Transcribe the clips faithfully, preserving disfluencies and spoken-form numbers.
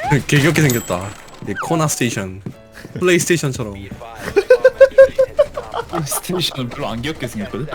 개겹게 생겼다. 이 코나 스테이션, 플레이스테이션처럼. 스테이션은 별로 안 귀엽게 생겼거든.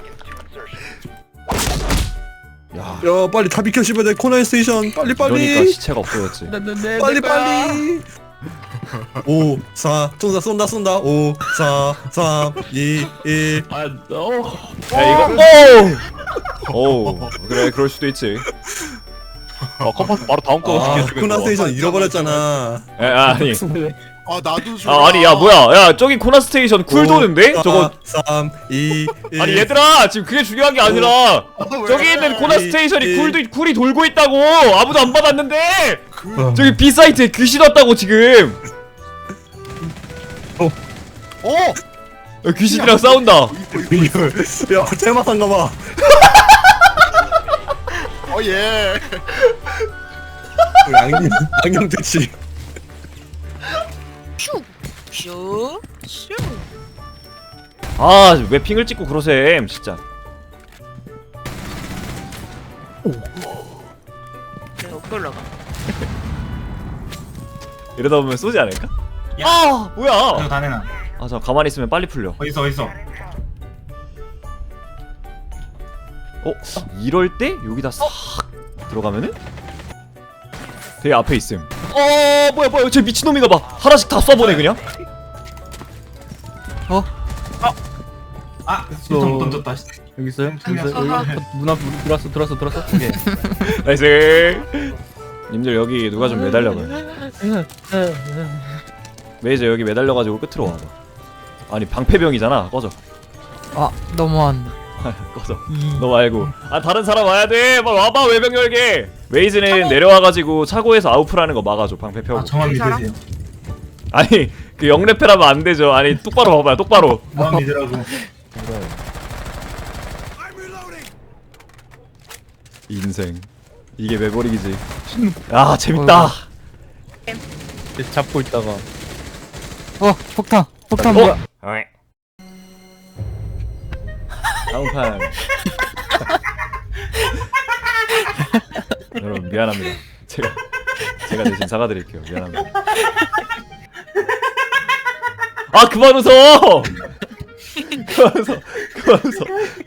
야, 야 빨리 다 비켜 씹어야 돼. 코나 스테이션 빨리 그러니까 빨리. 시체가 없어졌지. 빨리 빨리. 오, 사, 쏜다 쏜다 쏜다. 오, 사, 삼, 이, 일. 아, 어. 야 이거 오. 오 그래 그럴 수도 있지. 아, 컴파스 바로 다음 거 아, 시켜주겠어. 코나 스테이션 잃어버렸잖아. 야, 아니 아 나도 줘. 아 아니 야 뭐야 야 저기 코나 스테이션 쿨 도는데 저거. 삼, 이, 일. 아니 얘들아 지금 그게 중요한 게 아니라 저기 있는 코나 스테이션이 쿨도 쿨이 돌고 있다고. 아무도 안 받았는데 저기 B 사이트에 귀신 왔다고 지금. 어. 야, 귀신이랑 싸운다. 야 테마상가 봐. 어 예. 안경 안경 대치. 슈, 슈. 아 왜 핑을 찍고 그러셈 진짜. 내가 어떻게 올라가? 이러다 보면 쏘지 않을까? 야. 아 이거 뭐야? 다 내놔. 아 저 가만히 있으면 빨리 풀려. 어딨어 어딨어. 어? 이럴 때 여기다 싹 들어가면은 되게 앞에 있음. 어 뭐야 뭐야 저 미친놈인가 봐. 하나씩 다 쏴보네 그냥. 아 실전 못 던졌다. 여기 있어요? 여기 있어요? 아하. 여기 문 앞, 문 들어왔어, 들어왔어, 들어왔어. 오케이. 나이스. 님들 여기 누가 좀 매달려봐요. 메이저 여기 매달려가지고 끝으로 와봐. 아니 방패병이잖아. 꺼져. 아 너무한. 꺼져. 너 말고. 아 다른 사람 와야 돼. 막 와봐 외병 열게. 웨이즈는 내려와가지고 차고에서 아웃풀하는 거 막아줘 방패 펴고. 아 저만 이 사람? 믿으세요. 아니 그 영레페라면 안 되죠. 아니 똑바로 봐봐요 똑바로. 저만 믿으라고. 인생 이게 매버릭이지. 아 재밌다. 이렇게 잡고 있다가. 어 폭탄. 폭탄 어? 뭐야? 다음 판. 여러분 미안합니다. 제가 제가 대신 사과드릴게요. 미안합니다. 아 그만 웃어. 그만 웃어. 그만 웃어.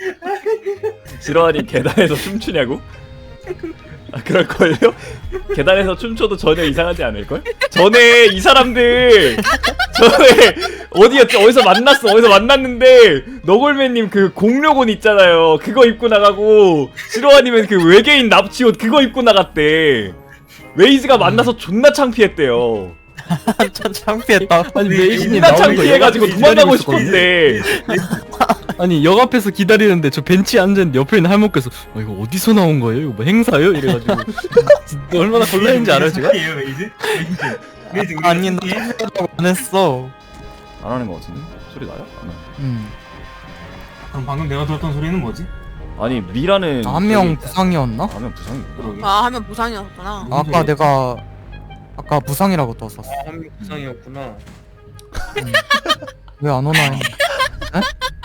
지러하니 계단에서 춤추냐고? 아 그럴걸요? 계단에서 춤춰도 전혀 이상하지 않을걸? 전에 이 사람들 전에 어디였지? 어디서 만났어 어디서 만났는데 너골맨님 그 공룡옷 있잖아요 그거 입고 나가고 지러하니면 그 외계인 납치옷 그거 입고 나갔대. 웨이즈가 만나서 존나 창피했대요. 참 창피했다. 아니 메이신이 존나 나오는 거 창피해가지고 역 앞에서 도망가고 기다리고 싶었대. 아니 역 앞에서 기다리는데 저 벤치에 앉았는데 옆에 있는 할머니께서 어 이거 어디서 나온 거예요? 이거 뭐 행사요? 이래가지고 진짜 얼마나 곤란했는지 알아요 제가? 예요 메이즈? 메이즈. 메이즈 우리 아니 나 예? 창피하다고 안 했어. 안 하는 거 같은데? 소리 나요? 안 나요. 음. 그럼 방금 내가 들었던 소리는 뭐지? 아니 미라는 한 명 저기- 부상이었나? 한 명 부상이 그러게. 아, 하면 부상이었구나. 무슨 아까 소리야? 내가 아까 부상이라고 떴었어. 한명 부상이었구나. 왜 안 오나 했는데. 에?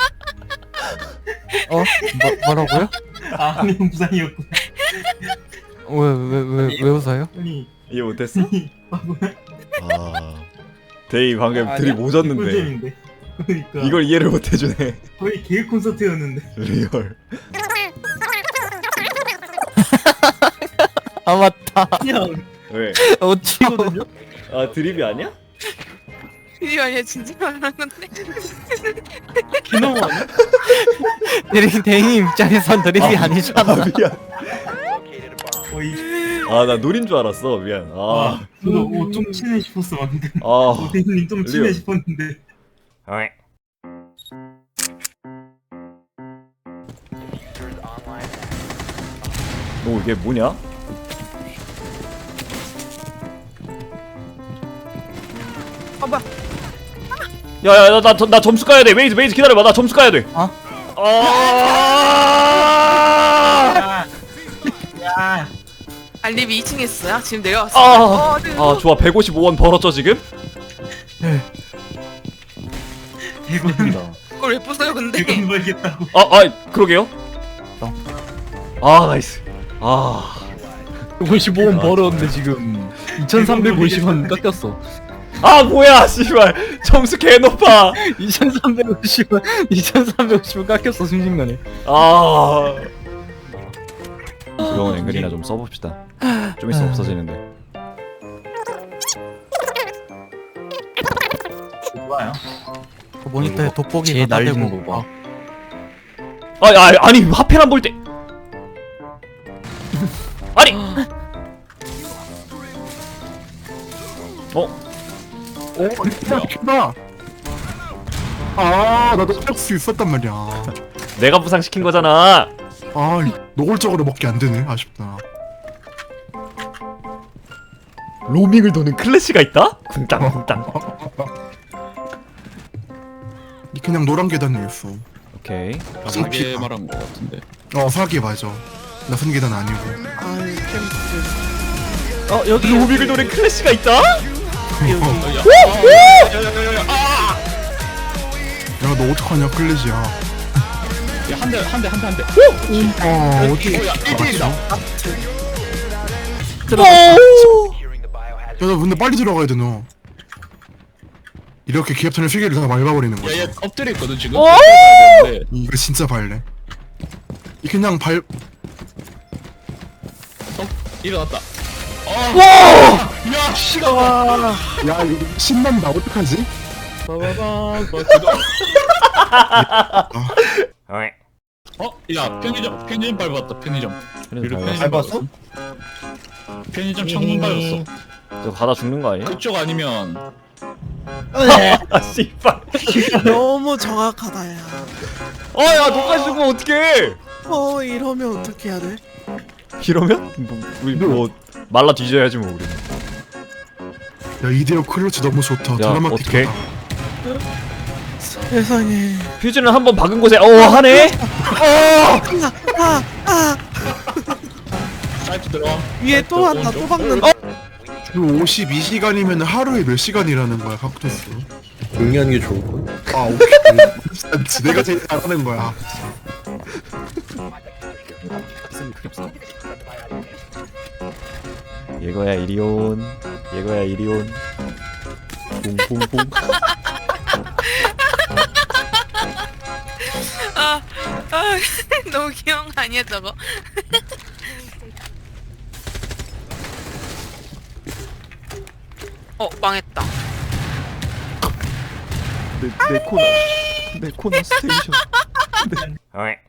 어? 뭐, 뭐라고요? 아 한명 부상이었구나. 왜 왜 왜 왜 웃어요? 아니 이해 못했어? 바보야. 아 데이 방금 아니야? 들이 오졌는데 꿀잼인데. 그러니까 이걸 이해를 못해주네. 거의 계획 콘서트였는데. 리얼. 아 맞다. 그냥 왜? 어찌거든요? 아 드립이 아니야? 이게 아니야, 진짜 말하는 건데. 기노 아니야? 드림 대인 입장에선 드림이 아니잖아. 아 미안. 거의. 아 나 노린 줄 알았어. 미안. 아. 아 저도 오, 좀 친해 싶었어 방금. 아. 오대님 좀 친해 리얼. 싶었는데. 너 이게 뭐냐? 아, 뭐야. 야야 나 나 나 점수 까야 돼. 웨이즈 웨이즈 기다려봐. 나 점수 까야 돼. 어? 아. 야. 알림이 이 층에 있어요? 지금 내려왔어. 아. 어, 네. 아 좋아. 백오십오 원 벌었죠 지금? 대박이다. 그걸 왜 부숴요, 근데? 대박 벌겠다고. 아, 아, 그러게요. 아, 나이스. 아, 오십오 원 벌었는데 지금 이천삼백오십 원 깎였어. 아 뭐야 씨발 점수 개 높아. 이천삼백오십 원 이천삼백오십 원 깎였어 순식간에. 아 부러운 앵글이나 좀 써봅시다. 좀 있으면 없어지는데. 좋아요. 그 모니터에 돋보기 쟤 갖다 날리는 대고. 거 봐. 아, 아 아니 하필 안 볼 때. 아니. 어? 나. 아 나도 할 수 있었단 말이야. 내가 부상시킨 거잖아. 아 노골적으로 먹기 안 되네. 아쉽다. 로밍을 도는 클래시가 있다? 쿵땅 쿵땅. 이 그냥 노란 계단이었어. 오케이. 사기 말한 거 같은데. 어 사기 맞아. 나선 계단 아니고. 아유 어 여기 로밍을 도는 클래시가 있다? 야 너 어떡하냐 클래지야. 한 대 한 대 한 대 한 대. 아 어디? 맞죠? 야나 근데 빨리 들어가야 돼 너. 이렇게 기합탄을 세 개를 다 밟아버리는 거야. 엎드려 있거든 지금. 어? 이거 진짜 발래. 이 그냥 발. 일어났다. 와! 야 씨가 와. 야 이거 신난다 어떡하지? 어? 야 편의점 편의점 밟았다 편의점. 그래도 밟았어? 편의점 창문 밟았어. 저 가다 죽는 거 아니야? 그쪽 아니면 아 씨발. 너무 정확하다 야. 어야 너까지 죽으면 어떡해? 어 이러면 어떻게 해야 돼? 이러면 뭐, 우리 뭐 말라 뒤져야지 뭐 우리. 야 이대로 클러치 너무 좋다. 드라마틱하다. 세상에. 퓨즈는 한번 박은 곳에 어 하네. 아아 사이트 들어와. 위에 또 한다 또 박는. 그 오십이 시간이면 하루에 몇 시간이라는 거야 각토스. 용리하는 게 좋을 걸. 아 오케이. 맞지, 내가 제일 잘하는 거야. 얘거야 이리온. 얘거야 이리온. 봉봉봉. 아, 아 너무 귀여운 거 아니야 저거? 어 망했다. 내, 내 코너 내 코너 스테이션. 네.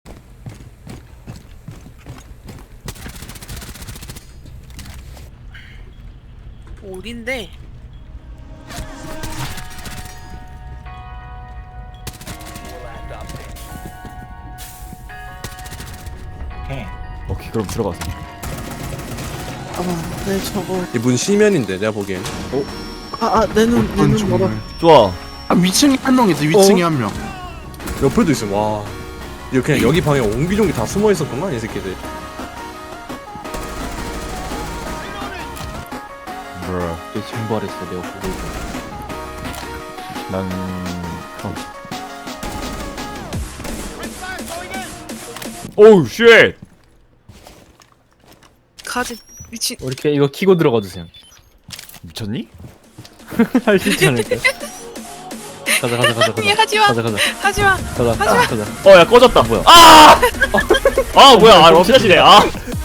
올인데. 오케이 그럼 들어가서. 아네 저거. 이분 시면인데 내가 보기엔. 아아내눈내눈 멀어. 좋아. 아 위층에 한 명 있어. 위층에 한 명. 옆에도 있음. 와. 이거 그냥 여기 방에 옹기종기 다 숨어 있었구만 이 새끼들. 브라. 내 증발했어 내가 보고 있어. 난 어. 오우 쉣. 가지 미친. 이렇게 이거 키고 들어가 주세요. 미쳤니? 할 수 있지 않을까? 가자 가자 가자 아니 가자. 하지마 가자 가자 하지마. 가자 가자 가자. 어 야 꺼졌다. 뭐야? 아! 아 뭐야? 아 럽샷이네. 아.